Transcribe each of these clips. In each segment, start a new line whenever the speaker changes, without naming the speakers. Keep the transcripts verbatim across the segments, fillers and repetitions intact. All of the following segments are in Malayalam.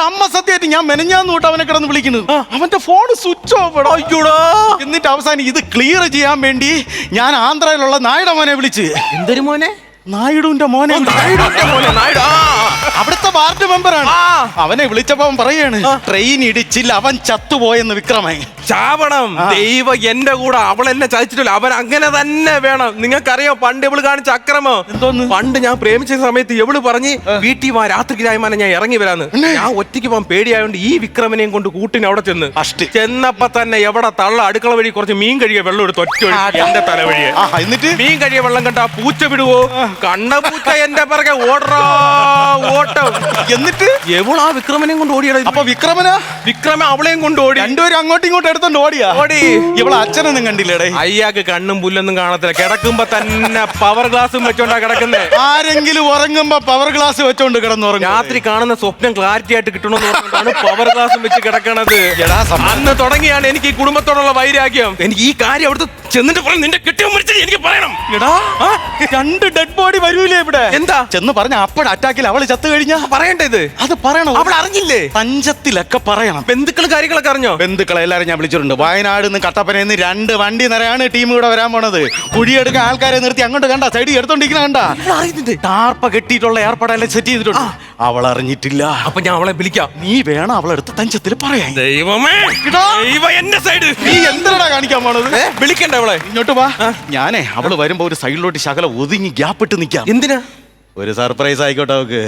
അമ്മ സത്യമായിട്ട് ഞാൻ മെനഞ്ഞാന്ന് തൊട്ട് അവനെ കിടന്ന് വിളിക്കുന്നു. അവന്റെ ഫോൺ സ്വിച്ച് ഓഫ്. എന്നിട്ട് അവസാനം ഇത് ക്ലിയർ ചെയ്യാൻ വേണ്ടി ഞാൻ ആന്ധ്രയിലുള്ള നായിഡ മോനെ വിളിച്ച്.
എന്തൊരു മോനെ?
നായിഡുവിന്റെ മോനെ. അവിടുത്തെ വാർഡ് മെമ്പറാണ്. അവനെ വിളിച്ചപ്പോ അവൻ പറയാണ് ട്രെയിൻ ഇടിച്ചില്ല, അവൻ ചത്തുപോയെന്ന്. വിക്രമൻ
ചാവണം. ദൈവ എന്റെ കൂടെ അവൾ എന്നെ ചതിച്ചിട്ടില്ല. അവൻ അങ്ങനെ തന്നെ വേണം. നിങ്ങൾക്കറിയോ പണ്ട് ഇവള് കാണിച്ച അക്രമം എന്തോന്ന്? പണ്ട് ഞാൻ പ്രേമിച്ച സമയത്ത് എവള് പറഞ്ഞ് വീട്ടിൽ വാ, രാത്രിക്ക് രായ്മാനെ ഞാൻ ഇറങ്ങി വരാന്ന്. ഞാൻ ഒറ്റയ്ക്ക് പോകാൻ പേടിയായോണ്ട് ഈ വിക്രമനെയും കൊണ്ട് കൂട്ടിന് അവിടെ ചെന്ന് ചെന്നപ്പോ തന്നെ എവിടെ തള്ള അടുക്കള വഴി കുറച്ച് മീൻ കഴിയ വെള്ളം എടുത്ത് ഒറ്റ എന്റെ തലവഴിയെ. എന്നിട്ട് മീൻ കഴിയ വെള്ളം കണ്ട പൂച്ച വിടുവോ? കണ്ട പൂച്ച എന്റെ പിറകെ ഓടറാ ഓട്ടം. എന്നിട്ട് എവൾ ആ വിക്രമനെയും കൊണ്ട് ഓടിയത്.
അപ്പൊ വിക്രമന
വിക്രമ അവളെയും കൊണ്ട് ഓടി.
രണ്ടുപേരും അങ്ങോട്ടും ഇങ്ങോട്ടും എടുത്തോണ്ട് ഓടിയാ. ഓടി. ഇവളെ അച്ഛനൊന്നും കണ്ടില്ലേടേ?
അയ്യാക്ക് കണ്ണും പുല്ലൊന്നും കാണത്തില്ല. കിടക്കുമ്പോ തന്നെ പവർ ഗ്ലാസും വെച്ചോണ്ടാ കിടക്കുന്നേ.
ആരെങ്കിലും ഉറങ്ങുമ്പോ പവർ ഗ്ലാസ് വെച്ചോണ്ട് കിടന്നുറങ്ങും.
രാത്രി കാണുന്ന സ്വപ്നം ക്ലാരിറ്റി ആയിട്ട് കിട്ടണമെന്ന് പറഞ്ഞാണ് പവർ ഗ്ലാസും വെച്ച് കിടക്കണത്. അന്ന് തുടങ്ങിയാണ് എനിക്ക് ഈ കുടുംബത്തോടുള്ള വൈരാഗ്യം. എനിക്ക് ഈ കാര്യം അവിടുത്തെ ചെന്നിട്ട് പറഞ്ഞു നിന്റെ കെട്ടിയോ മരിച്ചത് എനിക്ക് പറയണം.
എടാ രണ്ട് ഡെഡ് ബോഡി വരൂലേ ഇവിടെ? എന്താ ചെന്ന് പറഞ്ഞ അപ്പോഴ അറ്റാക്കിൽ അവള് ചത്തു കഴിഞ്ഞാ
പറയണ്ടത്? അത് പറയണം. അവൾ അറിഞ്ഞില്ലേ?
പഞ്ചത്തിലൊക്കെ പറയണം.
ബന്ധുക്കൾ കാര്യങ്ങളൊക്കെ അറിഞ്ഞോ?
ബന്ധുക്കളെ എല്ലാരും ഞാൻ വിളിച്ചിട്ടുണ്ട്. വയനാട് നിന്ന് കട്ടപ്പനയിൽ നിന്ന് രണ്ട് വണ്ടി നിറയാണ് ടീം ഇവിടെ വരാൻ പോണത്. കുഴിയെടുക്കാൻ ആൾക്കാരെ നിർത്തി അങ്ങോട്ട് കണ്ട സൈഡിൽ എടുത്തോണ്ടിരിക്കണ കണ്ട. ടാർപ്പ കെട്ടിയിട്ടുള്ള ഏർപ്പാടെല്ലാം സെറ്റ് ചെയ്തിട്ടുണ്ട്. അവൾ അറിഞ്ഞിട്ടില്ല.
അപ്പൊ ഞാൻ അവളെ വിളിക്കാം.
നീ വേണം അവളെടുത്ത് തഞ്ചത്തിൽ പറയാൻ.
ദൈവമേ, എന്റെ സൈഡ്
നീ എന്തിനാ കാണിക്കാൻ പോണത്?
വിളിക്കണ്ട അവളെ.
ഇങ്ങോട്ട് വാ. ഞാനേ അവള് വരുമ്പോ ഒരു സൈഡിലോട്ട് ശകലം ഒതുങ്ങി ഗ്യാപ്പ് ഇട്ട് നിക്കാം.
എന്തിനാ?
ഒരു സർപ്രൈസ് ആയിക്കോട്ടെ അവക്ക്.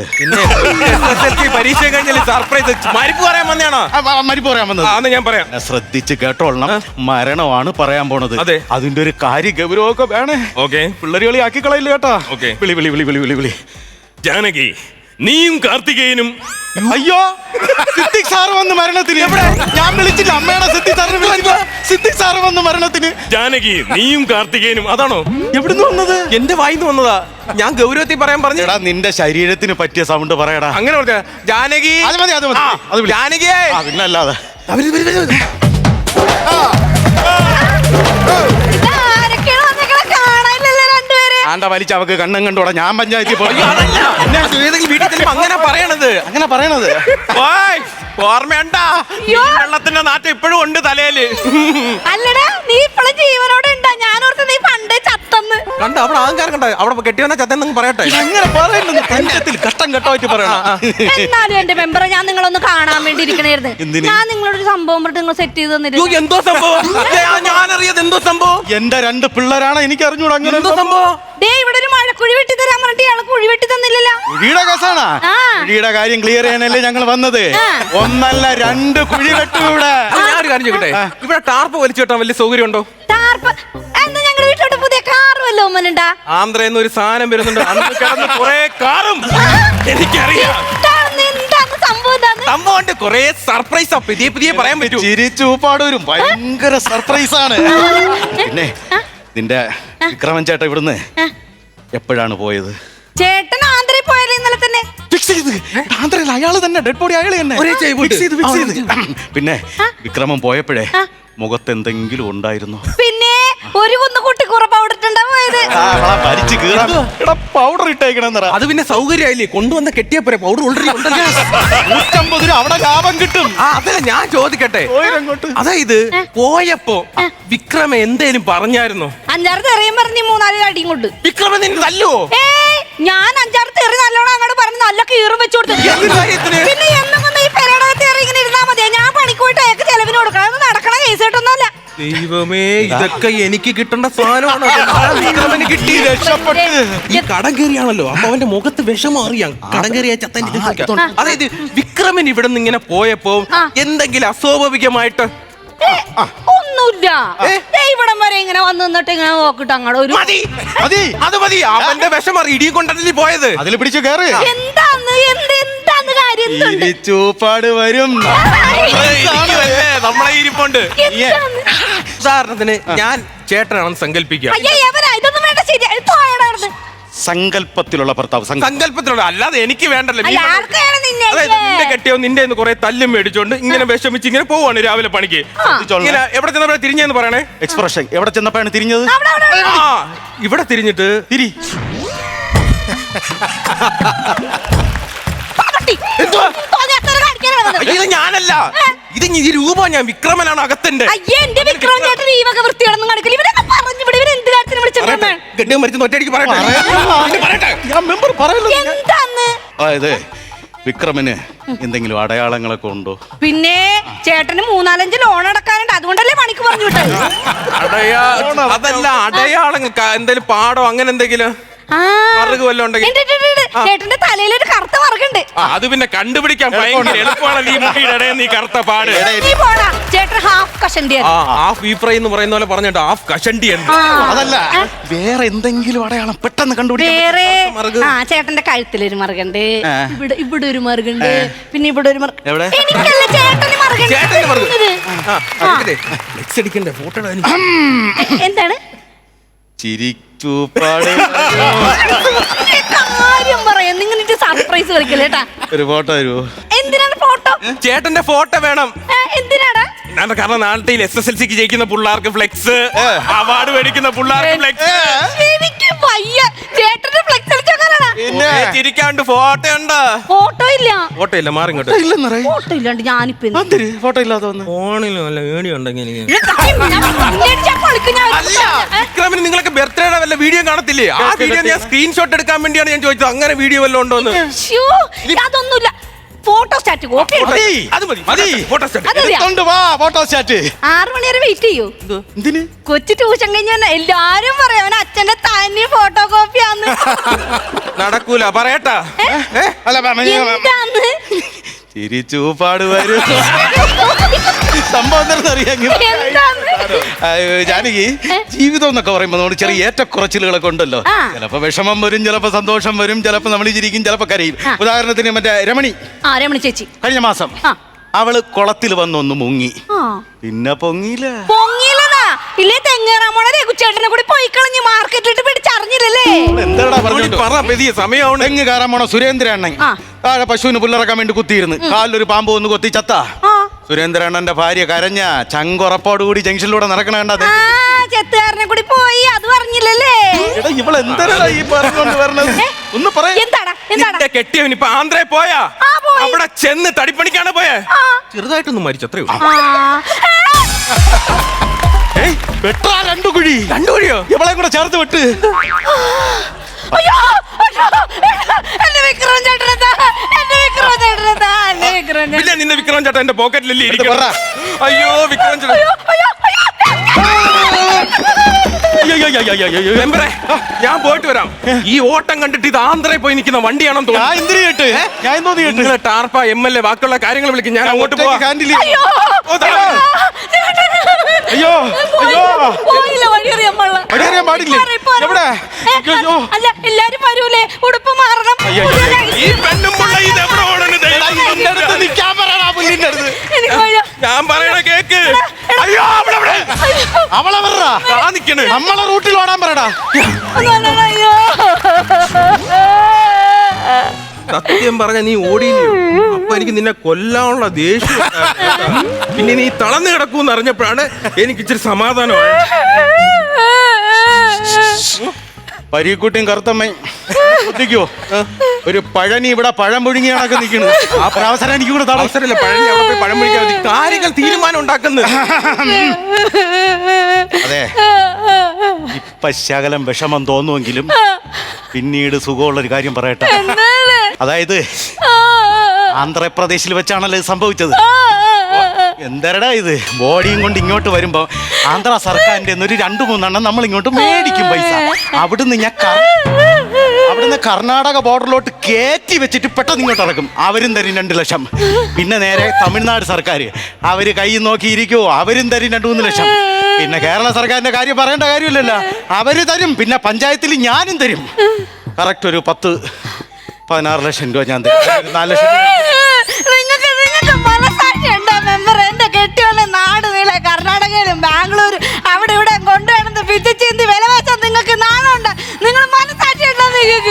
പരീക്ഷ കഴിഞ്ഞാൽ സർപ്രൈസ്. മരിപ്പ് പറയാൻ വന്നതാണോ?
മരിപ്പ് പറയാൻ വന്നത്
ഞാൻ പറയാം.
ശ്രദ്ധിച്ച് കേട്ടോളണം. മരണമാണ് പറയാൻ പോണത്.
അതെ.
അതിന്റെ ഒരു കാര്യ ഗൗരവമൊക്കെ വേണേ.
ഓക്കെ.
പിള്ളേര് കളി ആക്കി കളയില്ല കേട്ടാ.
ഓക്കെ.
വിളി വിളി വിളി വിളി വിളി വിളി.
ജാനകി, നീയും കാർത്തികേയനും.
അയ്യോ, സിദ്ദിഖ് സാറ് വന്ന് മരണത്തിന്. എവിടെ? ഞാൻ വിളിച്ചില്ല. അമ്മയാണ് സിദ്ദിഖ് സാറിന് വിളിച്ചില്ല. സിദ്ദിഖ് സാറ് വന്ന് മരണത്തിന്.
ജാനകി, നീയും കാർത്തികേയനും. അതാണോ?
എവിടുന്ന് വന്നത്?
എന്റെ വായിന്ന് വന്നതാ. ഞാൻ ഗൗരവത്തിൽ പറയാൻ പറഞ്ഞു.
എടാ നിന്റെ ശരീരത്തിന് പറ്റിയ സൗണ്ട് പറയടാ.
അങ്ങനെ പറഞ്ഞ ജാനകി.
അത് മതി, അത് മതി. അത് വിളി.
ജാനകിയേ.
പിന്നെ അല്ലാതെ ആണ്ട വലിച്ച അവക്ക് കണ്ണും കണ്ടോടാ. ഞാൻ പഞ്ചായത്തിൽ പോയി.
അങ്ങനെ പറയണത്
അങ്ങനെ പറയണത്
ഓർമ്മയുണ്ടാ? വെള്ളത്തിന്റെ നാട്ടം ഇപ്പോഴും ഉണ്ട് തലയില്.
അല്ലടാ, നീ ഇപ്പോഴും ജീവനോടെ ഉണ്ടാ? ഞാനോർത്ത് നീ പണ്ടേ ചത്തന്ന്.
കണ്ട അവിടെ ആൾക്കാർ കണ്ട അവിടെ കെട്ടിവന്ന ചത്തെന്ന് പറയട്ടെ.
അങ്ങനെ പറയുന്നത് പഞ്ചത്തിൽ കഷ്ടം കെട്ടായിട്ട് പറയണം.
എന്നാലും എന്റെ മെമ്പറെ ഞാൻ നിങ്ങളൊന്ന് കാണാൻ വേണ്ടി ഇരിക്കണായിരുന്നു. ഞാൻ നിങ്ങളൊരു സംഭവം പറഞ്ഞിട്ട് നിങ്ങൾ സെറ്റ് ചെയ്ത് തന്നിരുന്നു.
എന്തോ സംഭവം? ഞാനറിയാതെ എന്തോ സംഭവം?
എന്റെ രണ്ട് പിള്ളേരാണ്, എനിക്ക് അറിഞ്ഞൂടാ. അങ്ങനെ
എന്തോ സംഭവം?
ദേ ഇവിടെ ഒരു മഴക്കുഴി വെട്ടി തരാൻ പറഞ്ഞിട്ട് ഇയാള് കുഴി വെട്ടി തന്നില്ലല്ലോ.
കുഴിയുടെ കേസാണ്. കുഴിയുടെ കാര്യം ക്ലിയർ ചെയ്യാനല്ലേ ഞങ്ങൾ വന്നത്. ഒന്നല്ല രണ്ട് കുഴി വെട്ടു ഇവിടെ.
ഞാനൊരു കാര്യം ചോദിക്കട്ടെ, ഇവിടെ ടാർപ്പ് വലിച്ചു കെട്ടാൻ വലിയ സൗകര്യം ഉണ്ടോ?
ടാർപ്പ് എന്താ? ഞങ്ങളുടെ വീട്ടിലോട്ട് പുതിയ കാർ വല്ലോ ഒമ്മനുണ്ടാ?
ആന്ധ്രയിൽ ഒരു സാധനം വരുന്നുണ്ട്. അന്ന് കിടന്ന് കുറെ കാറും എനിക്കറിയാം. സംഭവം കൊറേ സർപ്രൈസാ. പുതിയ പുതിയ പറയാൻ പറ്റൂ.
ചിരിച്ചൂപ്പാടൂരും ഭയങ്കര സർപ്രൈസ് ആണ്. പിന്നെ നിന്റെ വിക്രമൻ ചേട്ടൻ ഇവിടുന്ന് എപ്പോഴാണ് പോയത്?
ചേട്ടൻ ആന്ധ്രയിൽ പോയാലോ ഇന്നലെ തന്നെ?
ഫിക്സ് ചെയ്ത് ആന്ധ്രയിൽ അയാള് തന്നെ ഡെഡ് ബോഡി അയാള് തന്നെ ഫിക്സ് ചെയ്ത് ഫിക്സ് ചെയ്ത്. പിന്നെ വിക്രമൻ പോയപ്പോഴേ മുഖത്ത് എന്തെങ്കിലും ഉണ്ടായിരുന്നു?
പിന്നെ ഒരു കുന്ന് കുട്ടിക്കൂറ പൗഡർ ഇട്ടുണ്ടാവുന്നത്.
പൗഡർ ഇട്ടേക്കണെന്നറ.
അത് പിന്നെ സൗകര്യമായില്ലേ? കൊണ്ടുവന്ന കെട്ടിയപ്പോരെ പൗഡർ ഓൾറെഡി
നൂറ്റമ്പത് രൂപ അവിടെ ലാഭം കിട്ടും.
അതല്ല ഞാൻ ചോദിക്കട്ടെ, അതായത് പോയപ്പോ വിക്രമ എന്തേലും പറഞ്ഞായിരുന്നോ?
അഞ്ചാറ് തെറിയും പറഞ്ഞ് മൂന്നാല് അടിയും കൊണ്ട്.
വിക്രമ നിന്നെ തല്ലുവോ?
ഞാൻ അഞ്ചാറ് തെറി നല്ലോണം അങ്ങോട്ട് പറഞ്ഞ് നല്ല കീറും വെച്ചു കൊടുത്തു. പിന്നെ എന്നൊന്നും ഈ പെരയുടെ തെറി ഇങ്ങനെ ഇരുന്നാ മതിയാ? ഞാൻ പണിക്കോയിട്ട് അയാൾക്ക് ചെലവിന് കൊടുക്കണം. നടക്കണ കേസ് കേട്ടൊന്നുമല്ല.
ദൈവമേ, ഇതൊക്കെ എനിക്ക് കിട്ടേണ്ട സാധനമാണ്. വിക്രമന് കിട്ടി, രക്ഷപ്പെട്ട്. ഈ കടം കയറിയാണല്ലോ, അപ്പൊ അവന്റെ മുഖത്ത് വിഷം മാറിയാ കടം കയറിയ ചത്തൻ. അതായത് വിക്രമൻ ഇവിടെ നിന്ന് ഇങ്ങനെ പോയപ്പോ എന്തെങ്കിലും അസ്വാഭാവികമായിട്ട്
ഒന്നുമില്ല. ഇവിടം വരെ ഇങ്ങനെ വന്ന് നിന്നിട്ട് ഇങ്ങനെ നോക്കിട്ട് അങ്ങോട്ട് ഒരു
മതി അത് മതി. അവന്റെ വിഷം മാറി ഇടിയും കൊണ്ടല്ലേ പോയത്.
അതിൽ പിടിച്ചു കയറി.
എന്താന്ന് എന്ത് എന്താന്ന് കാര്യം?
ചൂപ്പാട് വരും.
നമ്മളെ ഇരിപ്പുണ്ട്. ഉദാഹരണത്തിന് ഞാൻ ചേട്ടനാണെന്ന് സങ്കല്പിക്കാം.
സങ്കല്പത്തിലുള്ള ഭർത്താവ്.
സങ്കല്പത്തിലുള്ള അല്ലാതെ എനിക്ക് വേണ്ടല്ലോ. അതായത് നിന്റെ കെട്ടിയോ നിന്റെ കുറെ തല്ലും മേടിച്ചോണ്ട് ഇങ്ങനെ വിഷമിച്ച് ഇങ്ങനെ പോവാണ് രാവിലെ പണിക്ക്. ഇങ്ങനെ എവിടെ ചെന്നപ്പോഴാണ് തിരിഞ്ഞെന്ന് പറയണേ?
എക്സ്പ്രഷൻ എവിടെ ചെന്നപ്പോഴാണ് തിരിഞ്ഞത്?
ഇവിടെ തിരിഞ്ഞിട്ട് തിരി.
വന്നത്.
ഇത് ഞാനല്ല, ഇത് ഈ രൂപ ഞാൻ വിക്രമനാണ് അകത്തിന്റെ.
അയ്യേ എന്റെ വിക്രം ചേട്ടൻ ഈ വക വൃത്തിയാണെന്നും കാണിക്കില്ല. ഇവരൊക്കെ പറഞ്ഞു ഇവിടെ ഇവർ എന്ത് കാര്യത്തിന് വിളിച്ചിട്ടുണ്ടേ?
ഗണ്യം മരിച്ചു ഒറ്റയടിക്ക് പറയട്ടെ. പിന്നെ പറയട്ടെ.
ഞാൻ മെമ്പർ പറയല്ലോ.
എന്താന്ന്
അതായത് വിക്രമിന് എന്തെങ്കിലും അടയാളങ്ങളൊക്കെ ഉണ്ടോ?
പിന്നെ ചേട്ടന് മൂന്നാലഞ്ച് ലോൺ അടക്കാനുണ്ട്, അതുകൊണ്ടല്ലേ പണിക്ക് പറഞ്ഞു വിട്ടത്.
അടയാ അതല്ല, അടയാളങ്ങൾ എന്തെങ്കിലും പാടോ അങ്ങനെ എന്തെങ്കിലും
ആ,
മറുക് വല്ലതും ഉണ്ടെങ്കിൽ.
ഉണ്ട്, ഉണ്ട്, ഉണ്ട്. ചേട്ടന്റെ തലയിൽ ഒരു കറുത്ത മറുകുണ്ട്.
ആ, അത് പിന്നെ കണ്ടുപിടിക്കാൻ ഭയങ്കര എളുപ്പമാണ്. ഈ മുടിയുടെ ഇടയിൽ നീ കറുത്ത പാട്.
നീ പോടാ, ചേട്ടൻ ഹാഫ് കഷണ്ടിയാണ്.
ആ ഹാഫ് ഈ ഫ്രൈ എന്ന് പറയുന്ന പോലെ പറഞ്ഞിട്ട് ഹാഫ് കഷണ്ടി ഉണ്ട്.
അതല്ല, വേറെ എന്തെങ്കിലും അടയാളം പെട്ടെന്ന് കണ്ടുപിടിക്കാൻ
വേറെ
മറുക്.
ആ ചേട്ടന്റെ കഴുത്തിലൊരു മറുകുണ്ട്,
ആ.
ഇവിടെ ഇവിടെ ഒരു മറുകുണ്ട്, പിന്നെ ഇവിടെ ഒരു മറുക്.
എവിടെ?
എനിക്കല്ല ചേട്ടന് മറുകുണ്ട്.
ചേട്ടന് മറുക്.
ഇത്.
ആ, അടിക്കട്ടെ. ഫ്ലെക്സ് അടിക്കണ്ടേ, ഫോട്ടോ ഇടാൻ.
എ- എന്താണ്
ചിരിച്ചൂപ്പാട്
കാര്യം പറയാം, നിങ്ങൾ എനിക്ക് സർപ്രൈസ് കളിക്കല്ലേ കേട്ടാ.
ഒരു ഫോട്ടോ തരുമോ?
എന്തിനാണ് ഫോട്ടോ?
ചേട്ടന്റെ ഫോട്ടോ വേണം.
ഏ, എന്തിനാടാ?
ഞാൻ കാരണം നാട്ടിൽ എസ് എസ് എൽ സിക്ക് ജയിക്കുന്ന പിള്ളേർക്ക് ഫ്ലെക്സ്, അവാർഡ് മേടിക്കുന്ന പിള്ളേർക്ക് ഫ്ലെക്സ്.
എനിക്ക് വയ്യ, ചേട്ടന്റെ ഫ്ലെക്സ് അടിച്ചോക്കാനാണ്.
പിന്നെ
ചിരിക്കാണ്ട് ഫോട്ടോ ഉണ്ട്.
ഫോട്ടോ ഇല്ല,
ഫോട്ടോ ഇല്ല, മാറി ഇങ്ങോട്ട്.
ഇല്ലെന്നറേ
ഫോട്ടോ ഇല്ലാണ്ട് ഞാനിപ്പോ എന്ത്?
എന്തിന് ഫോട്ടോ ഇല്ലാതെ വന്ന്?
ഫോണിലും അല്ല വീഡിയോ ഉണ്ടെങ്കിൽ എനിക്ക്.
ഞാൻ പിന്നടിച്ചാ പൊളിക്കും ഞാൻ. ഏ?
വിക്രമിന് നിങ്ങളൊക്കെ ബർത്ത്ഡേയുടെ വല്ല വീഡിയോ കാണത്തില്ലേ? ആ വീഡിയോ ഞാൻ സ്ക്രീൻഷോട്ട് എടുക്കാൻ വേണ്ടിയാണ് ഞാൻ ചോദിച്ചത്. അങ്ങനെ വീഡിയോ വല്ലതും ഉണ്ടോന്ന്.
ശ്ശോ, അതൊന്നുമില്ല. ഫോട്ടോ സ്റ്റാറ്റ് കോപ്പി
മതി.
അത് മതി, മതി. Photostat.
അതറിയാ.
എടുത്തോണ്ട് വാ ഫോട്ടോ സ്റ്റാറ്റ്.
ആറു മണി വരെ വെയിറ്റ് ചെയ്യൂ.
എന്തിന്?
കൊച്ചു ട്യൂഷൻ കഴിഞ്ഞ എല്ലാരും പറയും അവൻ അച്ഛന്റെ തനി ഫോട്ടോ കോപ്പിയാന്ന്.
നടക്കൂല, പറയട്ടാ.
ഏ?
അല്ല
എന്താന്ന്?
ചിരിച്ചൂപ്പാട് വരും. സംഭവം എന്താണെന്ന് അറിയാമെങ്കിൽ
എന്താന്ന്?
ജാനകി, ജീവിതം എന്നൊക്കെ പറയുമ്പോൾ നമ്മൾ ചെറിയ ഏറ്റക്കുറച്ചിലുകളൊക്കെ ഉണ്ടല്ലോ.
ആ.
ചിലപ്പോ വിഷമം വരും, ചിലപ്പോ സന്തോഷം വരും, ചിലപ്പോ നമ്മൾ ചിരിക്കും, ചിലപ്പോ കരയും.
ആ.
ഉദാഹരണത്തിന് മറ്റേ രമണി
ആ രമണി ചേച്ചി
കഴിഞ്ഞ മാസം
ആ.
അവള് കുളത്തിൽ വന്നൊന്ന് മുങ്ങി,
ആ.
പിന്നെ പൊങ്ങിയില്ല.
പൊങ്ങിയില്ലതാ. ഇല്ലേ തെങ്ങേറാമോളെ രഘുചേട്ടനെ കൂടി പോയി കളഞ്ഞ് മാർക്കറ്റിലിട്ട് പിടിച്ചറിഞ്ഞില്ലല്ലേ?
എന്താടാ പറഞ്ഞോണ്ട്
പറ, പെരിയ സമയമാണ്.
തെങ്ങ് കയറാൻ പോണ സുരേന്ദ്ര അണ്ണൻ
ആ.
താഴെ പശുവിന് പുല്ലിറക്കാൻ വേണ്ടി കുത്തിയിരുന്നു. കാലിലൊരു പാമ്പ് വന്ന് കൊത്തി ചത്ത.
ആ.
സുരേന്ദ്ര അണ്ണന്റെ ഭാര്യ കരഞ്ഞ ചങ്കുറപ്പോടുകൂടി ജംഗ്ഷനിലൂടെ നടക്കണ കണ്ടത്.
ആ, ചെത്തുകാരനെ കൂടി പോയി, അത് പറഞ്ഞില്ലല്ലേ?
ഇവളെന്താ ഈ പറഞ്ഞോണ്ട് വരണത്? ഒന്ന് പറയാ.
എന്താടാ എന്താടാ?
നിന്റെ കെട്ടിയവൻ ഇപ്പൊ ആന്ധ്രയിൽ പോയാ?
ആ, പോയി.
അവിടെ ചെന്ന് തടിപ്പണിക്കാണ് പോയേ.
ആ.
ചെറുതായിട്ടൊന്നും മരിച്ചു, അത്രേ ഉള്ളൂ.
ആ.
ഏയ്, വെട്ടാ രണ്ടു കുഴി.
രണ്ടു വഴിയോ?
ഇവളെ കൂടെ ചേർത്ത് വെട്ട്.
അയ്യോ, അയ്യോ, എന്റെ വിക്രം ചേട്ടനെന്താ? എന്റെ വിക്രം ചേട്ടനെന്താ? എന്റെ വിക്രം ചേട്ടൻ.
പിന്നെ നിന്റെ വിക്രം ചേട്ടൻ എന്റെ പോക്കറ്റിലല്ലേ ഇരിക്കും.
പറ.
അയ്യോ വിക്രം ചേട്ടൻ.
അയ്യോ, അയ്യോ, അയ്യോ.
അയ്യോ, അയ്യോ, അയ്യോ, അയ്യോ, അയ്യോ.
മെമ്പറേ, ഞാൻ പോയിട്ട് വരാം. ഈ ഓട്ടം കണ്ടിട്ട് ഇത് ആന്ധ്രയിൽ പോയി നിൽക്കുന്ന വണ്ടിയാണെന്ന്
ഞാൻ
തോന്നുന്നു.
എന്തിനു കേട്ട്? ഞാൻ എന്തോന്ന് കേട്ട്?
നിങ്ങളെ ടാർപ്പ എം എൽ എ ബാക്കിയുള്ള കാര്യങ്ങൾ വിളിക്കും. ഞാൻ അങ്ങോട്ട് പോവാം.
ഹാൻഡിൽ
അയ്യോ,
ഓ, ദാ.
അയ്യോ, അയ്യോ.
പോയില്ല, വഴിയറിയാൻ പാടില്ല.
വഴിയറിയാൻ പാടില്ലേ?
മാറി, പോരെ.
എവിടെ?
ഏ,
അയ്യോ.
അല്ല എല്ലാരും വരൂലേ, ഉടുപ്പ് മാറണം.
അയ്യോ,
പുതിയ
അയ്യോ.
ലൈഫ്.
ഈ പെണ്ണും പിള്ള ഇത് എവിടെ ഓടുന്നു ദൈവം?
എന്റെ അടുത്ത് നിൽക്കാൻ പറയടാ, പുല്ലിന്റെ അടുത്ത്.
എനിക്ക് വയ്യ.
ഞാൻ പറയണ കേക്ക്. അയ്യോ അവളെവിടെ?
അയ്യോ,
അവളെ പറടാ.
ആ നിക്കണ്.
നമ്മളെ റൂട്ടിൽ ഓടാൻ പറടാ.
ഒന്ന് വന്നോടാ, അയ്യോ.
സത്യം പറഞ്ഞ നീ ഓടിയില്ലയോ? അപ്പൊ എനിക്ക് നിന്നെ കൊല്ലാനുള്ള ദേഷ്യം ഉണ്ടായിരുന്നു. പിന്നെ നീ തളർന്നു കിടക്കൂന്ന് അറിഞ്ഞപ്പോഴാണ് എനിക്ക് ഇച്ചിരി സമാധാനമായി.
പരീക്കുട്ടിയും കറുത്തമ്മയും ശ്രദ്ധിക്കോ, ഒരു പഴനി ഇവിടെ പഴം പുഴുങ്ങി കണക്ക് നിൽക്കുന്നത്. ആ അവസരം എനിക്ക് കൂടെ തടസ്സം.
അവസരമില്ല, പഴനി അവിടെ പോയി പഴം പിടിക്കാൻ മതി. കാര്യങ്ങൾ തീരുമാനം ഉണ്ടാക്കുന്നത്.
അതെ, ഇപ്പൊ ശകലം വിഷമം തോന്നുമെങ്കിലും പിന്നീട് സുഖമുള്ളൊരു കാര്യം പറയട്ടെ.
എന്താണ്?
അതായത്
ആ,
ആന്ധ്രാപ്രദേശിൽ വെച്ചാണല്ലോ ഇത് സംഭവിച്ചത്.
ആ, ആ, ആ.
എന്തരടാ ഇത്, ബോഡിയും കൊണ്ട് ഇങ്ങോട്ട് വരുമ്പോ ആന്ധ്ര സർക്കാരിന്റെ ഒരു രണ്ടു മൂന്നെണ്ണം നമ്മൾ ഇങ്ങോട്ട് മേടിക്കും പൈസ. അവിടുന്ന് ഞാൻ കർ- അവിടുന്ന് കർണാടക ബോർഡറിലോട്ട് കയറ്റി വെച്ചിട്ട് പെട്ടെന്ന് ഇങ്ങോട്ട് ഇറക്കും. അവരും തരും രണ്ട് ലക്ഷം. പിന്നെ നേരെ തമിഴ്നാട് സർക്കാർ അവര് കൈ നോക്കിയിരിക്കുവോ, അവരും തരും രണ്ടു മൂന്ന് ലക്ഷം. പിന്നെ കേരള സർക്കാരിന്റെ കാര്യം പറയേണ്ട കാര്യമില്ലല്ലോ, അവര് തരും. പിന്നെ പഞ്ചായത്തിൽ ഞാനും തരും. കറക്റ്റ് ഒരു പത്ത് പതിനാറ് ലക്ഷം രൂപ ഞാൻ തരും. ഒരു നാല് ലക്ഷം രൂപ.
നിങ്ങൾക്ക് നിങ്ങൾക്ക് മനസാക്ഷി ഉണ്ടോ മെമ്പർ? എന്റെ കെട്ടിയുള്ള നാട് നീളെ കർണാടകയിലും ബാംഗ്ലൂരും അവിടെ ഇവിടെ കൊണ്ടുവരുന്നത് പിച്ചിച്ചീന്തി വില വെച്ചാൽ നിങ്ങൾക്ക് നാണമുണ്ട്? നിങ്ങൾ മനസാക്ഷി ഉണ്ടോ നിങ്ങൾക്ക്?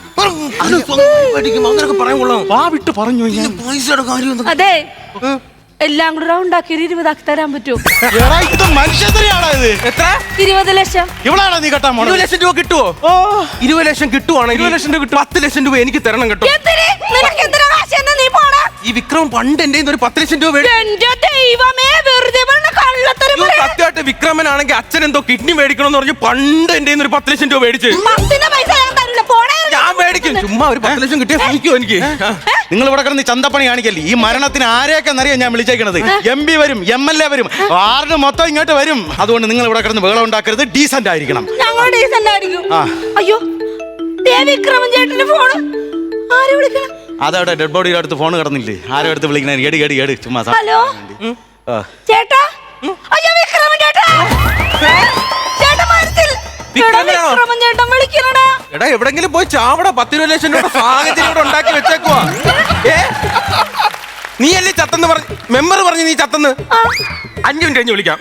അങ്ങനൊക്കെ പറയാൻ കൊള്ളാം.
വാ വിട്ട് പറഞ്ഞു ഞാൻ.
പൈസയുടെ കാര്യം
അതെ, എല്ലാം കൂടെ റൗണ്ട് ആക്കി ഒരു ഇരുപതാക്കി തരാൻ പറ്റുമോ?
എടാ ഇത് മനുഷ്യത്തെയാണോ ഇത്?
എത്ര?
ഇരുപത് ലക്ഷം.
ഇവളാണോ നീ കെട്ടാൻ പോണത്?
ഇരുപത് ലക്ഷം രൂപ കിട്ടുവോ? ഓ ഇരുപത് ലക്ഷം കിട്ടുവാണെങ്കിൽ ഇരുപത് ലക്ഷം രൂപ കിട്ടും. പത്ത് ലക്ഷം രൂപ എനിക്ക് തരണം കേട്ടോ.
എന്തിന്? നിനക്ക് എന്തിനാ കാശ്? എന്നാ നീ പോടാ.
ഈ വിക്രം പണ്ട് എന്റെ ഒരു പത്ത് ലക്ഷം രൂപ മേടി-
എന്റെ ദൈവമേ, വെറുതെ പറഞ്ഞ കള്ളത്തരം
അയ്യോ,
പറയാ.
സത്യമായിട്ട് വിക്രമനാണെങ്കിൽ അച്ഛൻ എന്തോ കിഡ്നി മേടിക്കണമെന്ന് പറഞ്ഞ് പണ്ട് എന്റെ ഒരു പത്ത് ലക്ഷം രൂപ മേടിച്ച്.
പത്തിന്റെ പൈസ ഞാൻ തരില്ല, പോണേ.
ഞാൻ മേടിക്കും. ചുമ്മാ ഒരു പത്ത് ലക്ഷം കിട്ടിയാൽ സഹിക്കുമോ എനിക്ക്?
നിങ്ങൾ ഇവിടെ കിടന്ന് ചന്തപ്പണി കാണിക്കല്ലേ? ഈ മരണത്തിന് ആരെയൊക്കെ അറിയാം ഞാൻ വിളിച്ചേക്കണത്. എം പി വരും, എം എൽ എ വരും, വാർഡ് മൊത്തം ഇങ്ങോട്ട് വരും. അതുകൊണ്ട് നിങ്ങൾ ഇവിടെ കിടന്ന് ബഹളം ഉണ്ടാക്കരുത്, ഡീസന്റ് ആയിരിക്കണം.
ഞങ്ങൾ ഡീസന്റ് ആയിരിക്കും.
ആ.
അയ്യോ, ദേ വിക്രമൻ ചേട്ടന്റെ ഫോണ്. ആരെ വിളിക്കണം?
അതവിടെ ഡെഡ് ബോഡിയുടെ അടുത്ത് ഫോൺ കിടന്നില്ലേ? ആരോ അടുത്ത് വിളിക്കണേ? എടി എടി എടി ചുമ്മാ സ-
ഹലോ
ആ.
ചേട്ടാ. അയ്യോ വിക്രമൻ ചേട്ടാ, ചേട്ടാ മനസ്സിൽ
വിക്രമനാണോ?
വിക്രമൻ ചേട്ടൻ വിളിക്കണടാ.
എടാ എവിടെങ്കിലും പോയി ചാവട. പത്ത് ഇരുപത് ലക്ഷം രൂപ സാഹചര്യം ഇവിടെ ഉണ്ടാക്കി വെച്ചേക്കുവാ. ഏ നീ അല്ലേ ചത്തെന്ന് പറഞ്ഞു? മെമ്പർ പറഞ്ഞു നീ ചത്തെന്ന്. അഞ്ചു മിനിറ്റ് കഴിഞ്ഞ് വിളിക്കാം.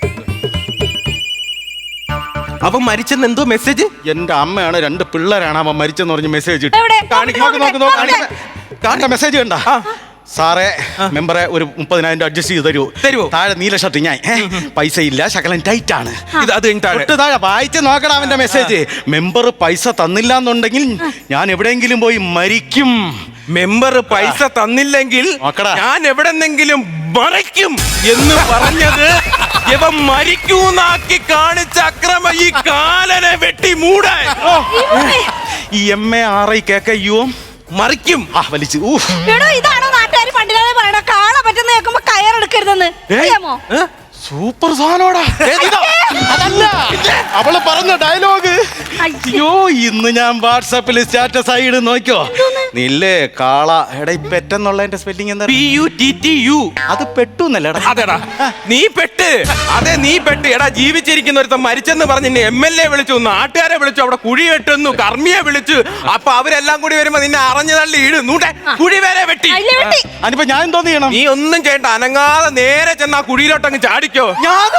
അപ്പൊ മരിച്ചെന്ന് എന്തോ മെസ്സേജ്?
എന്റെ അമ്മയാണ്, രണ്ട് പിള്ളേരാണ് അവൻ മരിച്ചെന്ന് പറഞ്ഞ് മെസ്സേജ് ഇട്ടു.
എവിടെ?
കാണിക്ക്, നോക്ക് നോക്ക് നോക്ക് കാണിക്ക്. കാണിക്ക മെസ്സേജ് കണ്ട?
ആ.
സാറേ, മെമ്പറെ ഒരു മുപ്പതിനായിരം രൂപ അഡ്ജസ്റ്റ് ചെയ്ത് തരുമോ?
തരുവോ?
താഴെ നീല ഷർട്ട് ഞാൻ ഏ, പൈസ ഇല്ല, ശകലം ടൈറ്റ് ആണ്.
ഇത് അത് കഴിഞ്ഞ് താഴെ.
തൊട്ട് താഴെ വായിച്ച് നോക്കടാ അവന്റെ മെസ്സേജ്. മെമ്പർ പൈസ തന്നില്ല എന്നുണ്ടെങ്കിൽ ഞാൻ എവിടെയെങ്കിലും പോയി മരിക്കും.
മെമ്പർ പൈസ തന്നില്ലെങ്കിൽ
നോക്കടാ.
ഞാൻ എവിടെന്നെങ്കിലും മറിക്കും എന്ന് പറഞ്ഞത് ഇവ മരിക്കൂന്നാക്കി കാണിച്ച അക്രമ ഈ കാലനെ വെട്ടി മൂടാൻ.
ഈ എം എ ആർ ഐ കേക്കയ്യോ
മറിക്കും.
ആ വലിച്ചു. ഊഹ്.
എടോ, ഇതാണോ നാട്ടുകാർ പണ്ടില്ലാതെ പറയണ കാള പറ്റുന്ന കേൾക്കുമ്പോ കയറെടുക്കരുതെന്ന്? അറിയാമോ?
ഏ?
സൂപ്പർ സാധനോടാ.
ഏതിതാ?
അതല്ല അവള് പറഞ്ഞ ഡയലോഗ്.
അയ്യോ.
അയ്യോ, ഇന്ന് ഞാൻ വാട്സാപ്പിൽ സ്റ്റാറ്റസ് ആയി ഇടും, നോക്കിയോ? നില്ലേ കാള. എടാ ഈ പെട്ടെന്നുള്ളതിന്റെ സ്പെല്ലിംഗ് എന്താ?
P U T T U.
അത് പെട്ടുന്നല്ലേ?
അതെടാ നീ പെട്ട്. അതെ നീ പെട്ട്. എടാ ജീവിച്ചിരിക്കുന്ന ഒരുത്തൻ മരിച്ചെന്ന് പറഞ്ഞ് എം എൽ എ വിളിച്ചു, നാട്ടുകാരെ വിളിച്ചു, അവിടെ കുഴി വെട്ടുന്നു, കർമ്മിയെ വിളിച്ചു. അപ്പൊ അവരെല്ലാം കൂടി വരുമ്പോ നിന്നെ അറിഞ്ഞു തള്ളി ഇടുന്നൂട്ടെ കുഴി വരെ വെട്ടി.
അതിലെ വെട്ടി.
അതിപ്പോ ഞാൻ എന്തോ ചെയ്യണം?
നീ ഒന്നും ചെയ്യണ്ട, അനങ്ങാതെ നേരെ ചെന്ന് ആ കുഴിയിലോട്ടങ്ങ് ചാടിക്കോ.
ഞാനാ?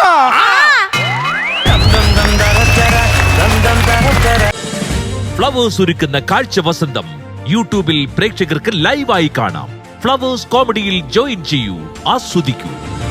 ഫ്ലവേഴ്സ് ഒരുക്കുന്ന കാഴ്ച വസന്തം യൂട്യൂബിൽ പ്രേക്ഷകർക്ക് ലൈവായി കാണാം. ഫ്ലവേഴ്സ് കോമഡിയിൽ ജോയിൻ ചെയ്യൂ, ആസ്വദിക്കൂ.